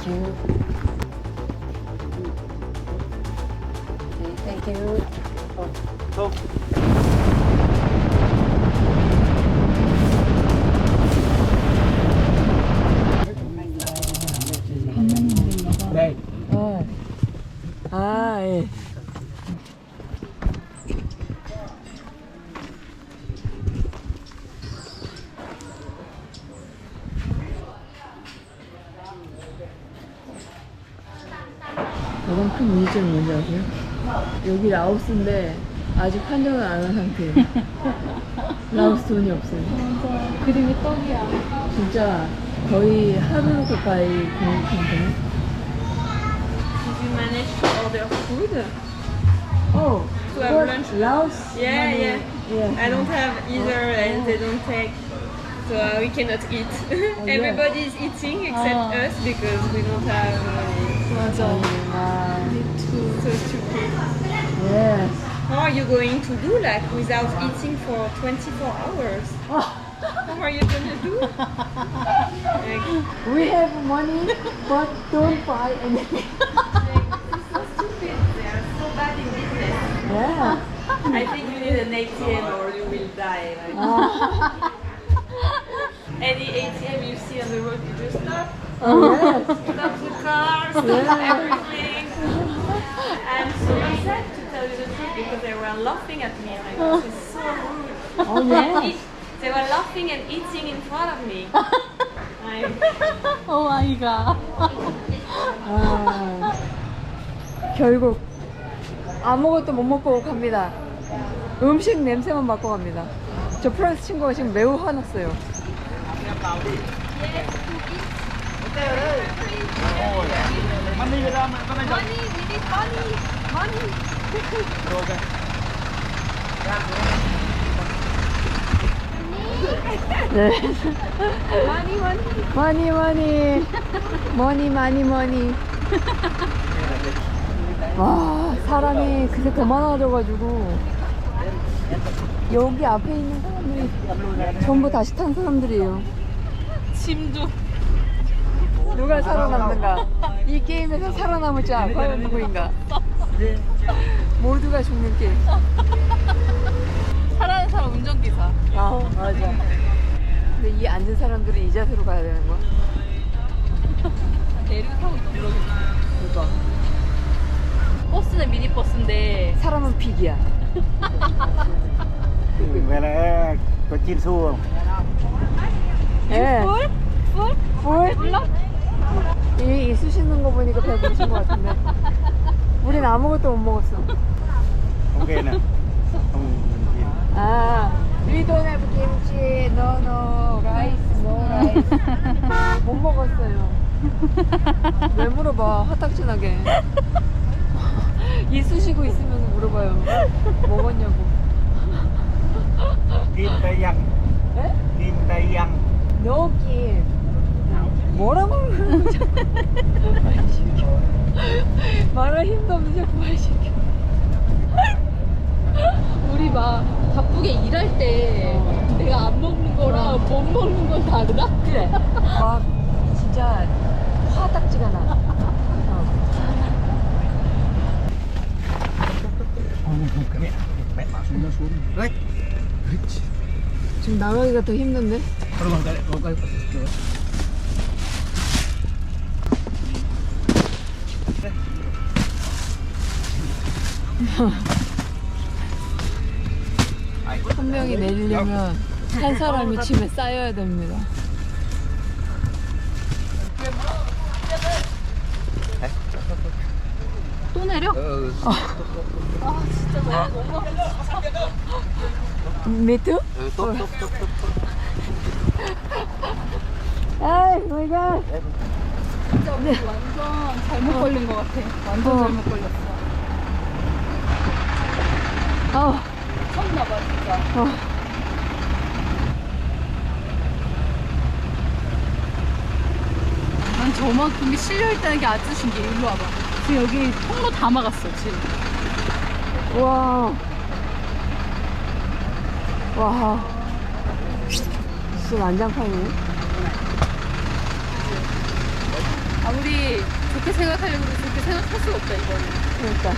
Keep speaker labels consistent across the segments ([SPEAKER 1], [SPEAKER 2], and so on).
[SPEAKER 1] Thank you. Okay, thank you.
[SPEAKER 2] Đây.
[SPEAKER 1] 아, 예. 가장 큰 문제점이 뭔지 아세요? 여기 라오스인데 아직 환전을 안 한 상태예요. 라오스 돈이 없어요.
[SPEAKER 3] 맞아. 그림이 떡이야.
[SPEAKER 1] 진짜 거의 하루 가까이 공부 상태네.
[SPEAKER 3] Did you manage to order food?
[SPEAKER 1] Oh,
[SPEAKER 3] To have lunch?
[SPEAKER 1] Laos?
[SPEAKER 3] Yeah,
[SPEAKER 1] money.
[SPEAKER 3] yeah.
[SPEAKER 1] Yeah.
[SPEAKER 3] I don't have either and they don't take. So we cannot eat.
[SPEAKER 1] yeah.
[SPEAKER 3] Everybody is eating except us because we don't have money.
[SPEAKER 1] 맞아. 아,
[SPEAKER 3] So stupid.
[SPEAKER 1] yes.
[SPEAKER 3] How are you going to do like without eating for 24 hours? How are you gonna do? Like,
[SPEAKER 1] We have money, but don't buy anything.
[SPEAKER 3] so stupid. They are so bad in business.
[SPEAKER 1] Yeah.
[SPEAKER 3] I think you need an ATM or you will die. Like. Any ATM you see on the road, you just stop.
[SPEAKER 1] Oh, yes.
[SPEAKER 3] Stop the cars, stop
[SPEAKER 1] Yeah.
[SPEAKER 3] everything. I'm so upset to tell you the truth because they were laughing at me. Like, this is so rude.
[SPEAKER 1] Oh, yes.
[SPEAKER 3] They were laughing and eating in front of me. Like,
[SPEAKER 4] 오 마이 갓.
[SPEAKER 1] 아, 결국 아무것도 못 먹고 갑니다. 음식 냄새만 맡고 갑니다. 저 프랑스 친구가 지금 매우 화났어요. 네. 머니. 와, 사람이 그새 더 많아져가지고 여기 앞에 있는 사람들이 전부 다시 탄 사람들이에요.
[SPEAKER 4] 짐도.
[SPEAKER 1] 누가 살아남는가? 이 게임에서 살아남을 자 과연 누구인가? 모두가 죽는 게임.
[SPEAKER 4] 살아는 사람 운전기사.
[SPEAKER 1] 아, 맞아. 근데 이 앉은 사람들은 이 자세로 가야 되는 거야?
[SPEAKER 4] 대류 타고 있다 그러겠지.
[SPEAKER 1] 그러니까
[SPEAKER 4] 버스는 미니버스인데
[SPEAKER 1] 사람은 픽이야.
[SPEAKER 2] Vậy là có chín xu không?
[SPEAKER 1] 예.
[SPEAKER 4] 뿔?
[SPEAKER 1] 뿔?
[SPEAKER 4] 몰라?
[SPEAKER 1] 이 쑤시는 거 보니까 배부르신 것 같은데. 우린 아무것도 못 먹었어.
[SPEAKER 2] Ok nè. Không chín.
[SPEAKER 1] 아, we don't have kimchi, no rice, no rice. 못 먹었어요. 왜 물어봐, 화딱지나게. 이 쑤시고 있으면 물어봐요. 먹었냐고.
[SPEAKER 2] Kim Tây Văn.
[SPEAKER 1] 에?
[SPEAKER 2] Kim Tây Văn.
[SPEAKER 1] No 김. 뭐라고? 말 시켜. 말할 힘도 없는 자꾸 말 시켜.
[SPEAKER 4] 우리 막 바쁘게 일할 때 내가 안 먹는 거랑 못 먹는 건 다르다?
[SPEAKER 1] 그래. 막 진짜 화딱지가 나.
[SPEAKER 2] Cái mẹ. Mẹ bảo xuống nó xuống. Đấy.
[SPEAKER 1] 지금 나가기가 더 힘든데?
[SPEAKER 2] Rồi.
[SPEAKER 1] 한 명이 내리려면 한 사람이 집에 쌓여야 됩니다.
[SPEAKER 4] 또 내려?
[SPEAKER 2] Ừ.
[SPEAKER 4] 아 진짜 너무
[SPEAKER 1] 미투?
[SPEAKER 2] Ừ, tốt.
[SPEAKER 1] 아이, 마이 갓.
[SPEAKER 4] 진짜 우리 완전 잘못 걸린 것 같아. 완전 잘못 걸렸어. 쳤나봐 진짜. 난 저만큼이 실려있다는 게 아주 신기해. 일로 와봐. 지금 여기 통로 다 막았어 지금.
[SPEAKER 1] 와. 진짜 난장판이네.
[SPEAKER 4] 아무리 좋게 생각하려고 해도 좋게 생각할 수가 없다, 이거는.
[SPEAKER 1] 그러니까.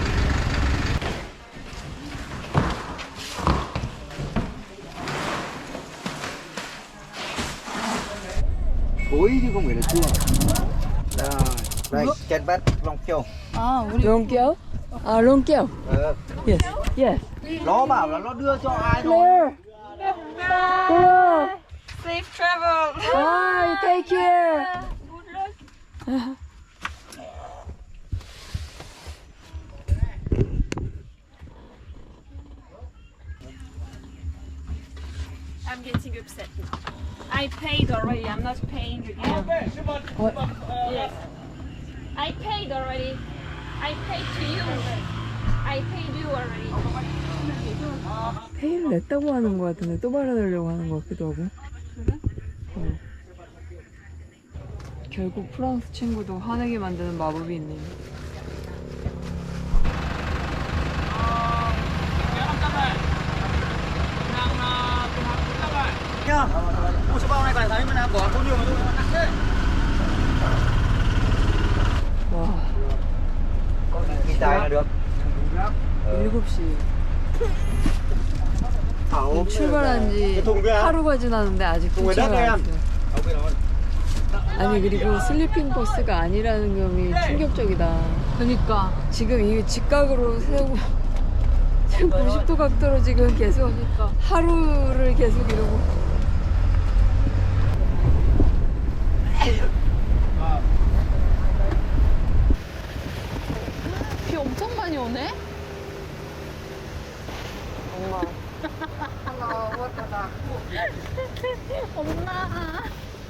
[SPEAKER 2] Thối chứ không phải là chua. Rồi, đây, chén bát lòng kiều.
[SPEAKER 4] 아, 우리.
[SPEAKER 1] 롱깨요? 아, 롱깨요. Yes. Yes.
[SPEAKER 2] Nó bảo là nó đưa cho ai thôi.
[SPEAKER 1] Claire. Claire.
[SPEAKER 3] Safe travel.
[SPEAKER 1] Bye. Take care.
[SPEAKER 3] I'm getting upset now. I paid already. I'm not paying again.
[SPEAKER 1] What?
[SPEAKER 3] Yes. I paid already. I paid to you. I paid you already.
[SPEAKER 1] 페이를 냈다고 하는 것 같은데 또 받아내려고 하는 것 같기도 하고. 어. 결국 프랑스 친구도 화내게 만드는 마법이 있네요.
[SPEAKER 2] Nhá. Mua số bao này phải thấy mình đang bỏ có nhiều mà tôi nặng thế.
[SPEAKER 1] 와,
[SPEAKER 2] Con này ghi tài là được.
[SPEAKER 1] 7시.
[SPEAKER 2] Thảo
[SPEAKER 1] 출발한 지 하루가 지났는데 아직
[SPEAKER 2] Cùng với đất
[SPEAKER 1] 도착을
[SPEAKER 2] đây
[SPEAKER 1] 안
[SPEAKER 2] em.
[SPEAKER 1] 했어요. 아니 그리고 슬리핑 버스가 아니라는 점이 충격적이다.
[SPEAKER 4] 그니까.
[SPEAKER 1] 지금 이 직각으로 세우고 지금 90도 각도로 지금 계속 하루를 계속 이러고.
[SPEAKER 4] 비 엄청 많이 오네?
[SPEAKER 1] 엄마.
[SPEAKER 4] 엄마.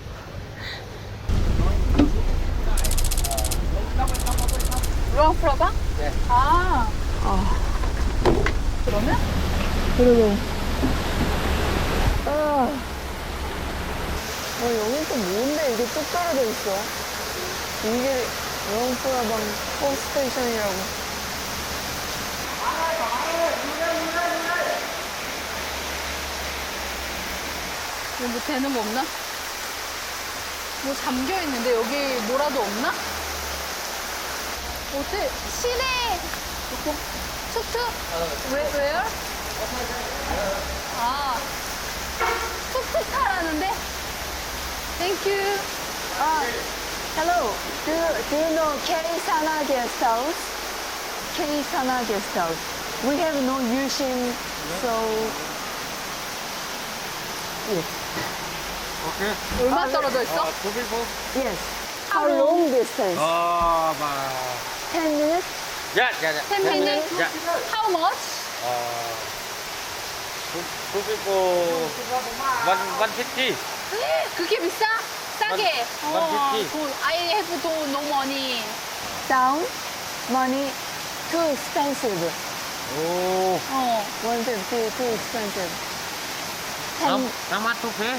[SPEAKER 4] 루앙 프라방?
[SPEAKER 2] 네.
[SPEAKER 4] 아,
[SPEAKER 1] 아,
[SPEAKER 4] 그러면?
[SPEAKER 1] 그리고 아, 여기 또 뭔데 이게 뚝 떨어져 있어? 이게 롱프라방 홈스테이션이라고.
[SPEAKER 4] 여기 뭐 되는 거 없나? 뭐 잠겨 있는데 여기 뭐라도 없나? 어때? 시내 툭툭? Where? 아, 툭툭 타라는데? Thank you.
[SPEAKER 1] Hello. Do you know K-Sana guest house? K-Sana guest house. We have no Yushin, so yes.
[SPEAKER 2] Ok.
[SPEAKER 4] 얼마 떨어져 있어?
[SPEAKER 2] Two people.
[SPEAKER 1] Yes. How long distance?
[SPEAKER 2] Mà
[SPEAKER 1] 10 minutes?
[SPEAKER 2] dạ dạ dạ.
[SPEAKER 4] 10 minutes?
[SPEAKER 2] Dạ.
[SPEAKER 4] How much?
[SPEAKER 2] Two people. 150.
[SPEAKER 4] 그게 비싸? 싸게.
[SPEAKER 2] 원
[SPEAKER 4] 돈, I have 돈, no money.
[SPEAKER 1] Down? Money? Too expensive.
[SPEAKER 2] Ồ.
[SPEAKER 1] 150 too expensive.
[SPEAKER 2] How much to pay?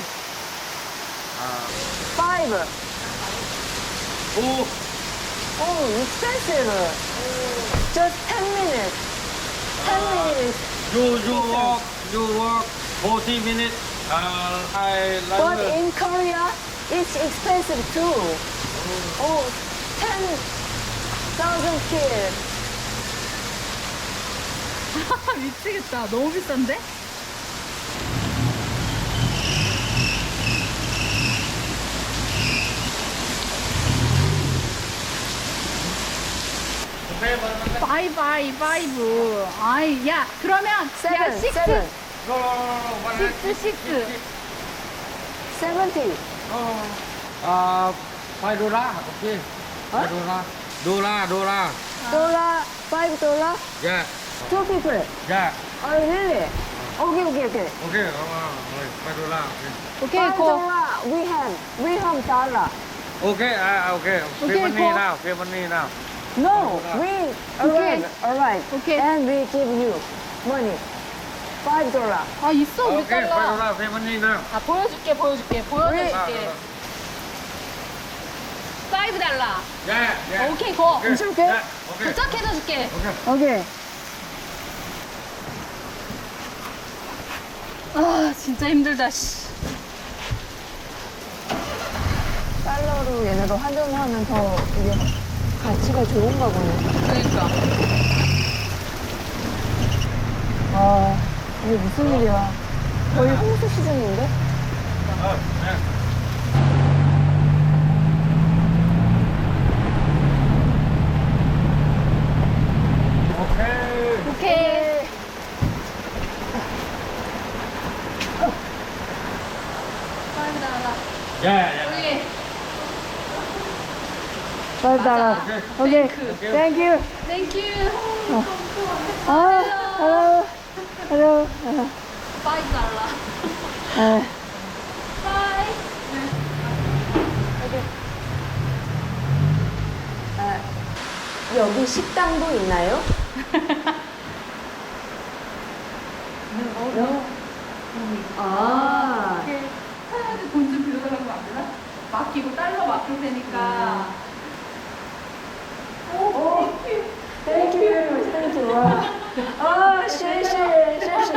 [SPEAKER 1] 5.
[SPEAKER 2] Oh.
[SPEAKER 1] Oh, expensive. Just 10 minutes. 10 minutes.
[SPEAKER 2] You walk 40 minutes. I
[SPEAKER 1] But
[SPEAKER 2] like
[SPEAKER 1] in Korea, it's expensive too. Oh, 10,000 kil.
[SPEAKER 4] 미치겠다. 너무 비싼데? 파이브. 아이, 야, 그러면, 야,
[SPEAKER 1] Seven.
[SPEAKER 4] 식스.
[SPEAKER 1] Seven.
[SPEAKER 4] 식스.
[SPEAKER 1] 70.
[SPEAKER 2] $5. Okay. $5. Dollar.
[SPEAKER 1] $5.
[SPEAKER 2] Yeah.
[SPEAKER 1] 2 people.
[SPEAKER 2] Yeah.
[SPEAKER 1] Oh, really? Okay.
[SPEAKER 2] Okay. $5. Okay.
[SPEAKER 4] 오케이, 고.
[SPEAKER 1] $5 we have dollar.
[SPEAKER 2] Okay. Okay.
[SPEAKER 4] Okay,
[SPEAKER 2] Pay money
[SPEAKER 4] go.
[SPEAKER 2] now. Pay money now.
[SPEAKER 1] No, we alright.
[SPEAKER 4] Okay.
[SPEAKER 1] And we give you money. $5.
[SPEAKER 4] 아, 있어, 우리
[SPEAKER 2] Okay.
[SPEAKER 4] 달러.
[SPEAKER 2] $5. Pay money now.
[SPEAKER 4] 아, 보여줄게. 보여줄게. $5.
[SPEAKER 2] Yeah.
[SPEAKER 4] 오케이, 고.
[SPEAKER 2] Okay.
[SPEAKER 1] 줄게.
[SPEAKER 2] Yeah. Okay.
[SPEAKER 4] 도착해줄게.
[SPEAKER 2] Okay.
[SPEAKER 1] Okay.
[SPEAKER 4] 아, 진짜 힘들다, 씨.
[SPEAKER 1] 달러로 얘네가 환전하면 더 이게 가치가 좋은가 보네.
[SPEAKER 4] 그러니까.
[SPEAKER 1] 아, 이게 무슨 일이야. 거의 홍수 시즌인데? 오케이.
[SPEAKER 4] 우리
[SPEAKER 1] 맞아. 오케이. 땡큐.
[SPEAKER 4] 땡큐.
[SPEAKER 1] 아, hello. hello.
[SPEAKER 4] $5.
[SPEAKER 1] 아,
[SPEAKER 4] 바이.
[SPEAKER 1] 여기 식당도 있나요? 아,
[SPEAKER 4] 사장한테 돈 좀 빌려달라고 하면 안 되나? 맡기고 달러 맡길 테니까.
[SPEAKER 1] 땡큐. 땡큐. 와. 아, 谢谢.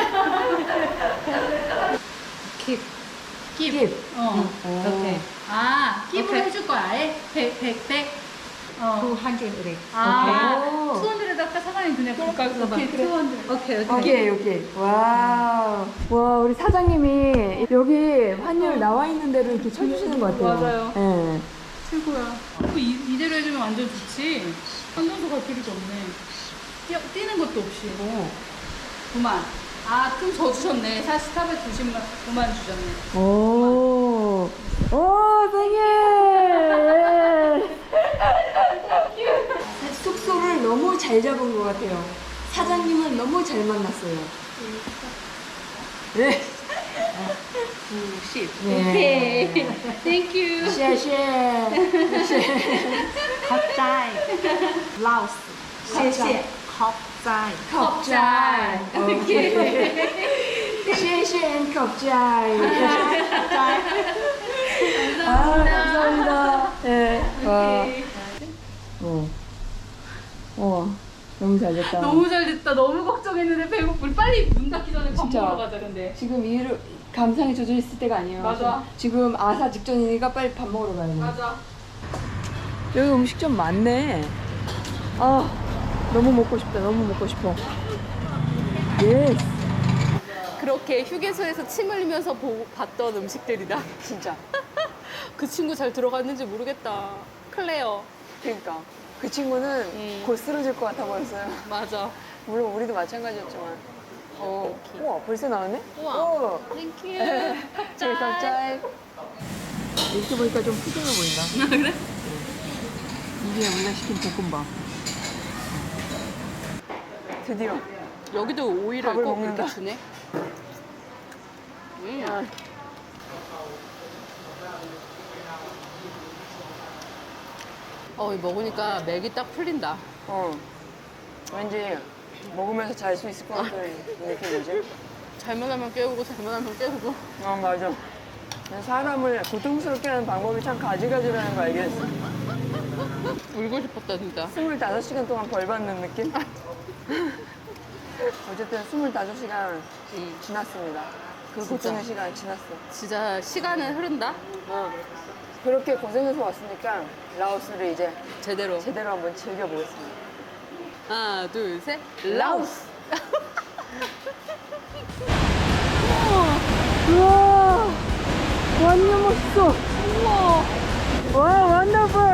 [SPEAKER 4] 킵.
[SPEAKER 1] 킵.
[SPEAKER 4] 어.
[SPEAKER 1] 오케이.
[SPEAKER 4] 아, 킵을
[SPEAKER 3] 오케이.
[SPEAKER 4] 해줄 거야. 아예? 100. 어.
[SPEAKER 3] 200.
[SPEAKER 4] 아,
[SPEAKER 1] 오케이.
[SPEAKER 4] 200에다가 사장님 그냥 가까이서 봐. 200.
[SPEAKER 1] 오케이. 와우. 와, 우리 사장님이 여기 환율 나와 있는 대로 이렇게 쳐주시는 것 같아요.
[SPEAKER 4] 맞아요.
[SPEAKER 1] 예.
[SPEAKER 4] 최고야. 이대로 해주면 완전 좋지. 환전소 갈 필요도 없네. 뛰는 것도 없이. 9만. 아, 좀 더 주셨네. 사실 탑에 9만 주셨네.
[SPEAKER 1] 오, 땡큐. 숙소를 너무 잘 잡은 것 같아요. 사장님은 너무 잘 만났어요. 네.
[SPEAKER 4] 90.
[SPEAKER 1] 네.
[SPEAKER 4] 오케이. 땡큐.
[SPEAKER 1] 谢谢.
[SPEAKER 3] 컵자이. 라오스.
[SPEAKER 1] 谢谢.
[SPEAKER 3] 컵자이.
[SPEAKER 1] 컵자이. 오케이. 谢谢 컵자이. 아, 감사합니다. 네. 와. 와, 너무 잘 됐다.
[SPEAKER 4] 너무 잘 됐다. 너무 걱정했는데 배고프. 빨리 문 닫기 전에 밥
[SPEAKER 1] 진짜.
[SPEAKER 4] 먹으러 가자. 근데.
[SPEAKER 1] 지금 이를 감상에 젖어 있을 때가 아니에요.
[SPEAKER 4] 맞아.
[SPEAKER 1] 지금 아사 직전이니까 빨리 밥 먹으러 가야 돼.
[SPEAKER 4] 맞아.
[SPEAKER 1] 여기 음식점 많네. 아, 너무 먹고 싶다. 너무 먹고 싶어. 예스.
[SPEAKER 4] 그렇게 휴게소에서 침 흘리면서 봤던 음식들이다.
[SPEAKER 1] 진짜.
[SPEAKER 4] 그 친구 잘 들어갔는지 모르겠다. 클레어.
[SPEAKER 1] 그러니까 그 친구는 곧 쓰러질 것 같아 보였어요.
[SPEAKER 4] 맞아.
[SPEAKER 1] 물론 우리도 마찬가지였지만. 우와, 벌써 나왔네?
[SPEAKER 4] 우와.
[SPEAKER 1] 오.
[SPEAKER 4] 땡큐.
[SPEAKER 1] 저희 갑자기 이렇게 보니까 좀 푸짐해 보인다.
[SPEAKER 4] 그래?
[SPEAKER 1] 이게 우리가 시킨 볶음밥. 드디어.
[SPEAKER 4] 여기도 오이를
[SPEAKER 1] 밥을
[SPEAKER 4] 꼭
[SPEAKER 1] 먹는다.
[SPEAKER 4] 이렇게 주네. 이거 먹으니까 맥이 딱 풀린다.
[SPEAKER 1] 왠지 먹으면서 잘 수 있을 것 같은 느낌이지?
[SPEAKER 4] 잘못 하면 깨우고 잘못 하면 깨우고.
[SPEAKER 1] 맞아. 사람을 고통스럽게 하는 방법이 참 가지가지라는 거 알겠어.
[SPEAKER 4] 울고 싶었다 진짜.
[SPEAKER 1] 25시간 동안 벌 받는 느낌? 어쨌든 25시간 지났습니다. 그
[SPEAKER 4] 진짜.
[SPEAKER 1] 고통의 시간 지났어.
[SPEAKER 4] 진짜 시간은 흐른다.
[SPEAKER 1] 그렇게 고생해서 왔으니까 라오스를 이제
[SPEAKER 4] 제대로.
[SPEAKER 1] 제대로 한번 즐겨보겠습니다.
[SPEAKER 4] 하나, 둘, 셋.
[SPEAKER 1] 라오스! 우와! 완전 멋있어! 우와! 와, 원더풀!